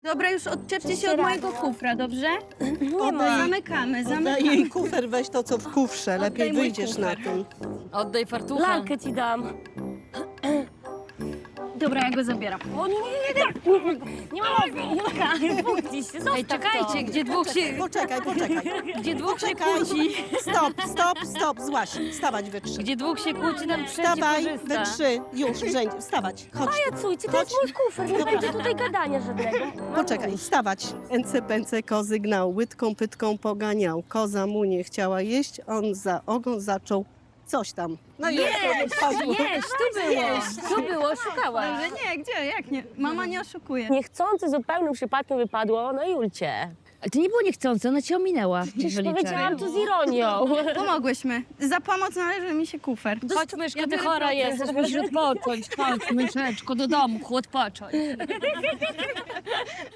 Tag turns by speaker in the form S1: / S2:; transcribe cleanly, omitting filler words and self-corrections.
S1: Dobra, już odczepcie się od mojego kufra, dobrze?
S2: Nie ma.
S1: Zamykamy,
S3: Oddaj
S1: zamykamy.
S3: jej kufer, weź to, co w kufrze. Lepiej
S1: Oddaj mój
S3: wyjdziesz na
S1: kufer.
S3: tym.
S2: Oddaj fartucha.
S4: Lalkę ci dam.
S1: Dobra, ja go zabieram.
S4: O nie, nie ma mowy. Julka, spójrz się, zostaw
S2: Ej, czekajcie,
S4: to.
S2: gdzie dwóch się...
S3: Poczekaj.
S2: Gdzie dwóch się
S3: Poczekaj.
S2: kłóci.
S3: Stop, złaś. Wstawać we trzy.
S2: Gdzie dwóch się kłóci, tam trzeci
S3: Wstawaj we
S2: korzysta.
S3: trzy. Już, w rzędzie. Wstawać. Chodź.
S4: Pajacujcie, to jest mój kufer, nie będzie tutaj gadania żadnego.
S3: Poczekaj, wstawać. Ence, pęce, kozy gnał, łydką, pytką poganiał. Koza mu nie chciała jeść, on za ogon zaczął coś tam. No i
S2: Jeść, tu było, szukałaś.
S1: Dobrze, nie, gdzie, jak nie? Mama nie oszukuje.
S4: Niechcący zupełnym przypadkiem wypadło, no Julcie.
S5: Ale to nie było niechcące, ona cię ominęła.
S4: Przecież powiedziałam to z ironią.
S1: Pomogłyśmy. Za pomoc należy mi się kufer.
S2: Chodź, myszko,
S1: Ja
S2: ty
S1: biorę
S2: chora
S1: pracę.
S2: jesteś, musisz odpocząć. Chodź, myszeczko, do domu, odpocząć.